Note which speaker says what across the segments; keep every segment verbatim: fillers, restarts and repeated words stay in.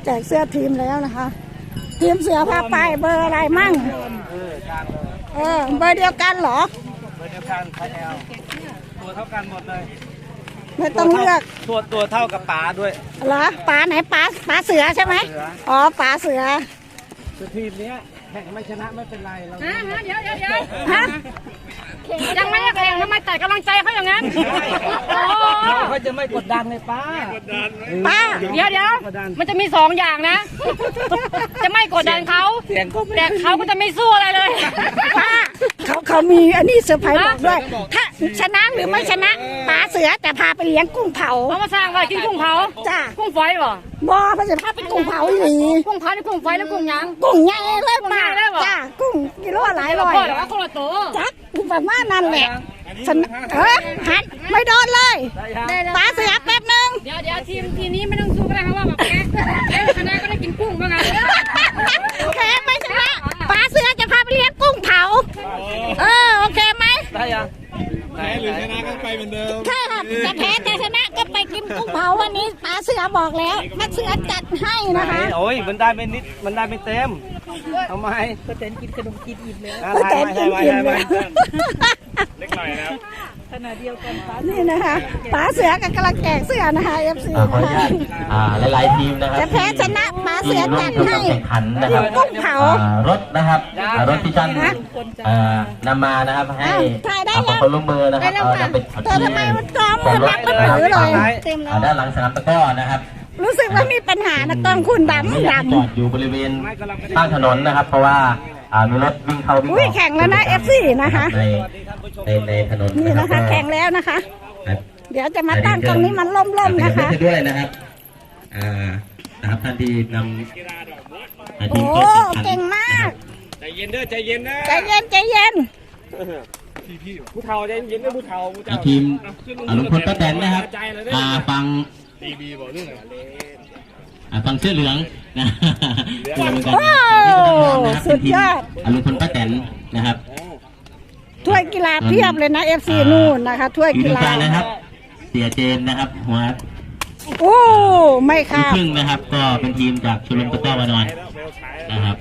Speaker 1: แจกเสื้อทีมแล้วนะคะทีมเสือพาไปเบอร์อะไรมั่งเออเบอร์เดียวกันเหรอ
Speaker 2: เบอร์เดียวกันใครเอาตัวเท่ากันหมดเลย
Speaker 1: ไม่ต้องเลือก
Speaker 2: ตัวตัวเท่ากับป๋าด้วย
Speaker 1: เหรอป๋าไหนป๋าป๋าเสือใช่ไหมอ๋อป๋าเสือ
Speaker 2: คือทีมนี้แข่งไม่ชนะไม่เป็นไรเรา
Speaker 3: ฮะฮะเดี๋ยวเดี๋ยวเดี๋ยวฮะยังไม่ได้แข่งทำไมแต่กำลังใจเขาอย่างนั้น
Speaker 2: เขาจะไม่กดดันเลยป้า
Speaker 1: ป้า
Speaker 3: เดี๋ยวเดี๋ยวมันจะมีสองอย่างนะจะไม่กดดันเขาแต่เขาก็จะไม่สู้อะไรเลย
Speaker 1: ป้าเขาเขามีอันนี้เซอร์ไพรส์บอกด้วยถ้าชนะหรือไม่ชนะป๋าเสือแต่พาไปเลี้ยงกุ้งเผา
Speaker 3: เขามาสร้างไว้กินกุ้งเผา
Speaker 1: จ้า
Speaker 3: กุ้งฝอยบ่
Speaker 1: บ่พาจะพาไปกุ้งเผาหรือ
Speaker 3: กุ้งเผาหรือกุ้งฝอยแล้วกุ้งยัง
Speaker 1: กุ้งใหญ่เลยป้าจ้ากุ้งกิโลหลายร้อย
Speaker 3: หรือว่าคนละตัว
Speaker 1: จักแบบว่านั่นแหละฉันเออหันไม่โดนเลยป๋าเสือแป๊บนึง
Speaker 3: เดี๋ยวเดี๋ยวทีมทีนี้ไม่ต้องสู้ก็ได้เพราะว่าแบบแกแกชนะก็ได้กินกุ้งบ้างไง
Speaker 1: แพ้ไม่ชนะป๋าเสือจะพาไปเลี้ยงกุ้งเผาเออโอเคไหม
Speaker 2: ได้ยัง
Speaker 4: แพ้หรือชนะก็ไปเหมือนเดิม
Speaker 1: ใช่ค่ะจะแพ้จะชนะก็ไปกินกุ้งเผาวันนี้ป๋าเสือบอกแล้วนักเสือจัดให้นะคะ
Speaker 2: โอ้ยมันได้เป็นนิดมันได้เป็นเต็มทำไม
Speaker 3: ก็เต้นกินขนมกินอิ่มแล้ว
Speaker 1: ก็เต้นกินอิ่มเลย
Speaker 2: เล็กหน่อยนะครับ
Speaker 3: ขนาดเดียวกัน
Speaker 1: นี่นะคะป๋าเสือกับกำลังแจกเสือนะคะ เอฟ ซี นะคะ
Speaker 5: อ่าหลายๆทีมนะครับ
Speaker 1: จะแพ้ชนะป๋าเสือจัดให้
Speaker 5: แข่งขันนะครับ
Speaker 1: กุ้งเผาร
Speaker 5: ถนะครับรถที่ท่านนำมานะครับให้ขอความร่วมมือนะครับเอาจะเป็น
Speaker 1: แต่ทำไมมันจอมมันรับมันถือเลย
Speaker 5: ด้านหลังสนามตะก้อนะครับ
Speaker 1: รู้สึกว่ามีปัญหานะกล้องคุณดำดำ
Speaker 5: จอดอยู่บริเวณข้างถนนนะครับเพราะว่ามีรถวิ่งเข้าวิ่งออก
Speaker 1: แข่งแล้วนะ เอฟ ซี นะคะ
Speaker 5: ในในถนน
Speaker 1: นี่นะคะแข่งแล้วนะคะเดี๋ยวจะมาตั้งตรงนี้มันล่มๆนะคะ
Speaker 5: ด้วยนะครับอ่านะครับท่านที่นำ
Speaker 1: โอ้เก่งมาก
Speaker 2: ใจเย็นเด้อใจเย็นนะ
Speaker 1: ใจเย็นใจเย็น
Speaker 2: ผู้เฒ่าใจเย็นด้วยผู้เฒ่า
Speaker 5: ทีมลุงพลป้าแตนนะครับฟัง
Speaker 4: ตีบีบอกเรื่องอะไร
Speaker 5: ฟังเสื้อเหลืองนะ
Speaker 1: โอ้สุดยอด
Speaker 5: ลุงพลป้าแตนนะครับ
Speaker 1: ถ้วยกีฬาเพียบเลยนะ เอฟ ซี นู่นนะคะถ้วยกีฬา
Speaker 5: นะครับเสียเจนนะครับหัว
Speaker 1: โอ้ไม่ค่ะ
Speaker 5: ครึ่งนะครับก็เป็นทีมจากชลบุรีตะก้อวานอนนะครับ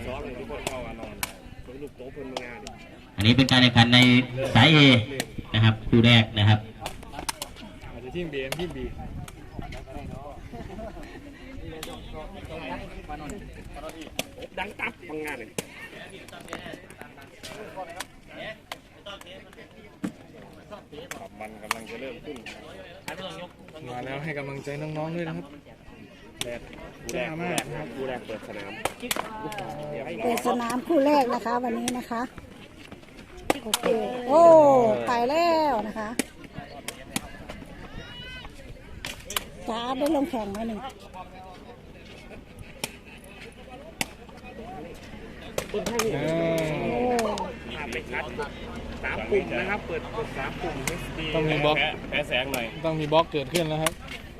Speaker 5: อันนี้เป็นการแข่งขันในสายเอนะครับคู่แรกนะครับ
Speaker 4: ทีมบีทีมบี
Speaker 2: ดังตับทำงานเลยมันกำลังจะเริ่มขึ้น
Speaker 4: มาแล้วให้กำลังใจน้องๆด้วยนะครับ
Speaker 2: แรกคู่แรกมากคู่แรกเปิดสนาม
Speaker 1: เปิดสนามคู่แรกนะคะวันนี้นะคะโอเคโอ้ไปแล้วนะคะจ้าได้ลงแข่งไหมหนึ่ง
Speaker 2: สามปุ่มนะครับเปิดเปิดสามปุ่ม
Speaker 4: ต้องมีบล็อก
Speaker 2: แพ้แสงหน่อย
Speaker 4: ต้องมีบล็อกเกิดขึ้นแล้วครับ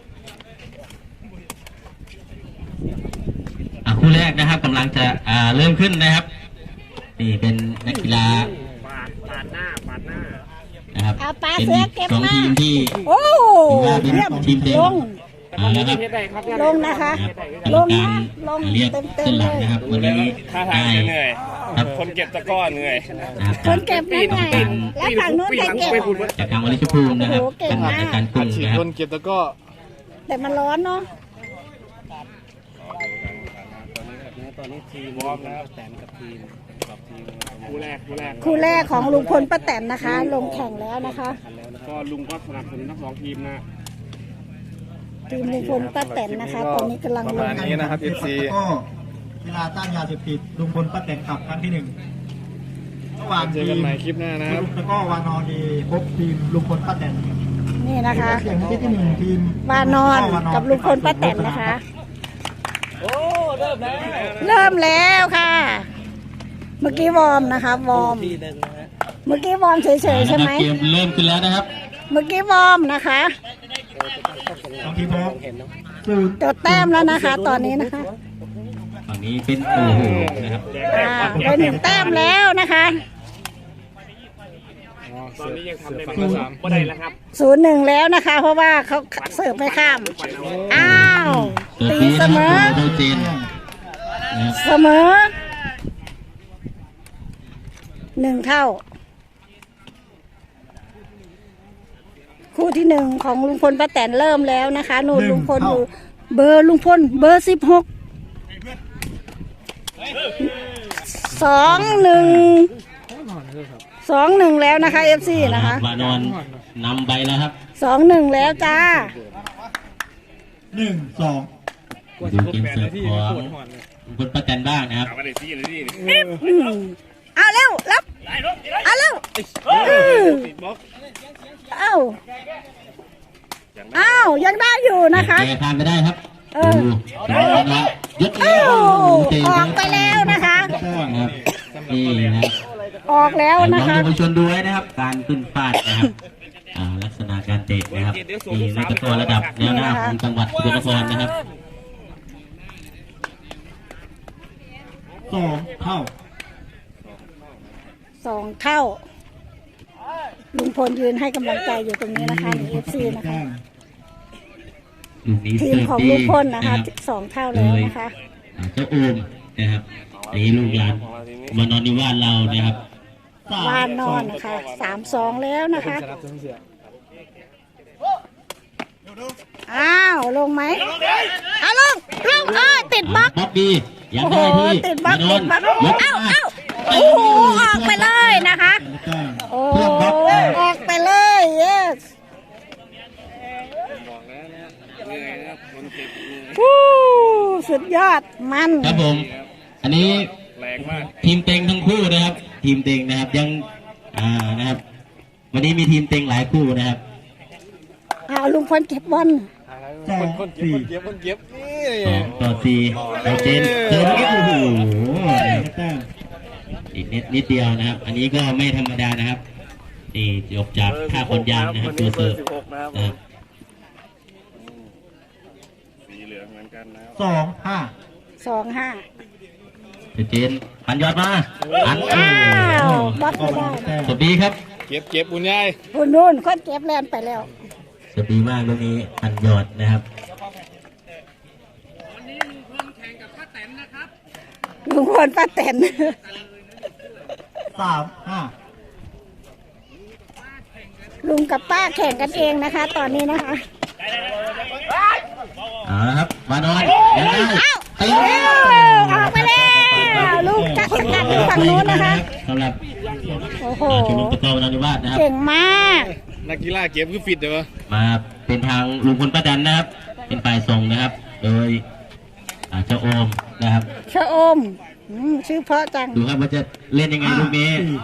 Speaker 5: คู่แรกนะครับกำลังจะเริ่มขึ้นนะครับนี่เป็นนักกีฬา
Speaker 2: ปาดปาดหน้าปาดหน้า
Speaker 5: นะครับเป็นสองทีมที่
Speaker 1: โอ้
Speaker 5: เป็นทีมเต็ม
Speaker 1: นะครับลงนะคะลงนะลง
Speaker 5: เรียกเส้นหลังนะครับวันนี้
Speaker 2: ได้ครับคนเก็บตะก้อเหนื่อย
Speaker 1: คนเก็บเหนื่อยแล้วฝั่งนู้นใครเก็บ
Speaker 5: จากทางวลิชภูมินะครับเป็นการกุ้งนะครับ
Speaker 4: คนเก็บตะก้อ
Speaker 1: แต่มันร้อนเนาะ
Speaker 2: ตอนนี้ทีมวอร์มแล้วแตนกับทีมกับทีมคู่แรกคู่แรก
Speaker 1: คู่แรกของลุงพลป้าแตนนะคะลงแข่งแล้วนะคะ
Speaker 2: ก็ลุงก็สนับสนุนทั้งสองทีมนะ
Speaker 1: ทีมลุงพลป้าแตนนะคะตอนนี้กำลังลง
Speaker 4: นี้นะครับ เอฟ ซี
Speaker 6: ก็กีฬาต้านยาเสพติดลุงพลป้าแตนขับครั้งที่หนึ่งระหว่างทีม
Speaker 4: คลิปหน้านะครับ
Speaker 6: แล้วก็วานอนดีพบทีมลุงพลป้าแตน
Speaker 1: นี่นะคะ
Speaker 6: เสียงที่ที่หนึ่งทีม
Speaker 1: วานอนกับลุงพลป้าแตนนะคะ
Speaker 2: โอ้เริ่มแล้ว
Speaker 1: เริ่มแล้วค่ะเมื่อกี้วอร์มนะคะวอร์มเมื่อกี้วอร์มเฉยๆใช่ไหม
Speaker 5: เกมเริ่มขึ้นแล้วนะครับ
Speaker 1: เมื่อกี้วอร์มนะคะจดแต้มแล้วนะคะตอนนี้นะคะ
Speaker 5: ตอนนี้เป็นโอ้โหนะครับ
Speaker 1: ได้หนึ่งแต้มแล้วนะคะ
Speaker 2: ตอนนี้ยังทำได้ไม่สามก็ได้แล้วครับ
Speaker 1: ศูนย์หนึ่งแล้วนะคะเพราะว่าเขาเสิร์ฟไม่ข้ามอ้าวตีเสมอ
Speaker 5: โดยเจนนะครับ
Speaker 1: เสมอหนึ่งเท่า คู่ที่หนึ่งของลุงพลป้าแตนเริ่มแล้วนะคะนู่นลุงพลอยู่เบอร์ลุงพลเบอร์สิบหกสองหนึ่งสองหนึ่งแล้วนะคะเอฟซีนะคะ
Speaker 5: วานอนนำไปแล้วครับ
Speaker 1: สองหนึ่งแล้วจ้า
Speaker 6: หนึ่งสอง
Speaker 5: ดูเกมเสิร์ฟของคุณป้าแตนบ้างนะครับ
Speaker 1: อืมเอาเร็วรับเอาเร็วเอาเอายังได้อยู่นะคะ
Speaker 5: เตะผ่านไปได้ครับ
Speaker 1: เออ
Speaker 5: ดูดูนะยึด
Speaker 1: เอ้า
Speaker 5: เตะ
Speaker 1: ออกไปแล้วนะคะ
Speaker 5: นะครับนี่นะครับ
Speaker 1: ออกแล้วนะ
Speaker 5: น้อง
Speaker 1: คะ
Speaker 5: เยาวชนดูไว้นะครับ การขึ้นฟาดนะครับอ่าลักษณะการเตะนะครับนี่ในตะกร้อระดับแนวหน้าของจังหวัดสกลนครนะครับ
Speaker 6: สองเท่า
Speaker 1: สองเท่า ลุงพลยืนให้กำลังใจอยู่ตรงนี้นะคะในเอฟซีนะคะ
Speaker 5: ลูกนี้
Speaker 1: ที
Speaker 5: เสิ
Speaker 1: ม
Speaker 5: ร์ฟ
Speaker 1: ของ
Speaker 5: ดี
Speaker 1: ลุงพลนะ
Speaker 5: นะคะ รับ
Speaker 1: สองเท่าแล้วนะคะ
Speaker 5: อ่าเจ้าโอมนะครับอันนี้ลูกหลานมานอนนิวาสเรานะครับ
Speaker 1: วานนอนนะคะสามสองแล้วนะคะอ้าวลงไหมเอาลงลงเออติดบล็อก
Speaker 5: บ๊อบบี้ยัง
Speaker 1: โอ้โห
Speaker 5: ได้ที่
Speaker 1: ติดบล็อก
Speaker 5: มาน
Speaker 1: ติ
Speaker 5: อน
Speaker 1: ดบล็อก
Speaker 5: ยก
Speaker 1: เอ้า
Speaker 5: มา
Speaker 1: เอ้าโอ้โหออกไปเลยนะคะ โอ้ออกไปเลย yes วู้สุดยอดมัน
Speaker 5: ครับผม อันนี้
Speaker 2: แรงมาก
Speaker 5: ทีมเต็งทั้งคู่นะครับ ทีมเต็งนะครับยังอ่านะครับ วันนี้มีทีมเต็งหลายคู่นะครับ
Speaker 1: เอาลุงพลเก็บบอล
Speaker 6: สองสี่
Speaker 2: เก็บคนเก็บนี่
Speaker 5: สองต่อสี่เราเจนเจนโอ้โห
Speaker 6: แต้ม
Speaker 5: อีกนิดนิดเดียวนะครับ อันนี้ก็ไม่ธรรมดานะครับนี่ยกจากท่าคนยางนะครับตัวเสิร์ฟนะครับ
Speaker 2: สีเหลืองเหมือนกันนะครับ
Speaker 6: สองห้า
Speaker 1: สองห้า
Speaker 5: เจนปันยอดมาอัน
Speaker 1: อ้าวบอล
Speaker 6: ออ
Speaker 1: ไม่
Speaker 6: ก
Speaker 1: ได้
Speaker 6: แต้ม
Speaker 5: สวัสดีครับ
Speaker 2: เก็บเก็บบุญยาย
Speaker 1: คุณนู่นคนเก็บแลนไปแล้ว
Speaker 5: สวัสดีมากลูกนี้ปันยอดนะครับ
Speaker 1: ลุงพลป้าแตน
Speaker 6: สามห้า
Speaker 1: ลุงกับป้าแข่งกันเองนะคะ ตอนนี้นะคะ
Speaker 5: เอาละครับมานอนยังได้
Speaker 1: เอ้า
Speaker 5: ตี
Speaker 1: เอ้าออกไปแล้วลูกจักรกัดอยู่ฝั่งนู้นนะคะ
Speaker 5: สำหรับ
Speaker 1: โอ้โห
Speaker 5: ชมรมตะกร้อวนนิวาสนะครับ
Speaker 1: เก่งมาก
Speaker 2: นักกีฬาเก็บคือฟิตเลยวะ
Speaker 5: มาเป็นทางลุงพลป้าแตนนะครับ เป็นฝ่ายส่งนะครับ โดยอ่าเจ้าโอมนะครับ
Speaker 1: ชะอมอืมชื่อเพราะจัง
Speaker 5: ดูครับว่าจะเล่นยังไงลูกนี้
Speaker 6: สี่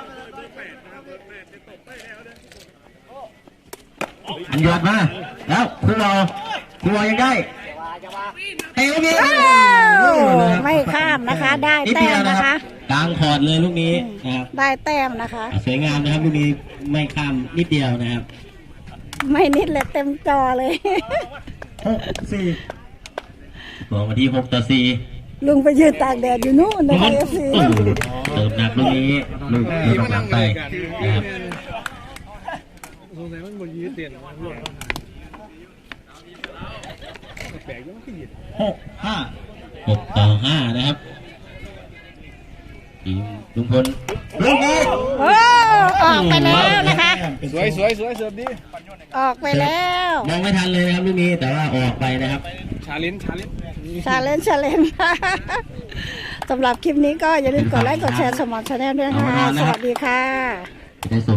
Speaker 5: อันยอดมา แล้วครูรอครูรอยังได้เตะลูกนี้
Speaker 1: อ้าวไม่ข้ามนะคะ ได้
Speaker 5: นิด
Speaker 1: แต้
Speaker 5: เดีย
Speaker 1: ม
Speaker 5: วนะ
Speaker 1: นะ
Speaker 5: ครั
Speaker 1: คะ
Speaker 5: บกลางคอร์ดเลยลูกนี้นะครับ
Speaker 1: ได้แต้มนะคะ
Speaker 5: สวยงามนะครับลูกนี้ไม่ข้ามนิดเดียวนะครับ
Speaker 1: ไม่นิดเลยเต็มจอเลย
Speaker 6: หกสี่
Speaker 5: บอกมาที่หกต่อสี่
Speaker 1: ลุงไปยืนตากแดดอยู่นู่นนะคะเอฟซี
Speaker 5: โอ้โหเติมหนักลูกนี้ลูกลูกหลังไปนะครับ
Speaker 4: สงสัยมันบนยืดเตียนมันหล่นแปลกๆยังไม่ขึ้น
Speaker 6: หกห้า
Speaker 5: หกต่อห้านะครับทีมลุงพลลูกนี้
Speaker 1: โอ้ออกไปแล้วนะคะ
Speaker 2: สวยสวยสวยเสิร์ฟดี
Speaker 1: ออกไปแล้ว
Speaker 5: มองไม่ทันเลยนะครับลูกนี้แต่ว่าออกไปนะครับ
Speaker 2: ชาลินชาลิน
Speaker 1: ชาเลนจ์ชาเลนจ์ สำหรับคลิปนี้ก็อย่าลืมกดไลค์กดแชร์สมอนชาแนลด้วยค่ะ สวัสดีค่ะ
Speaker 5: ได้ส่ง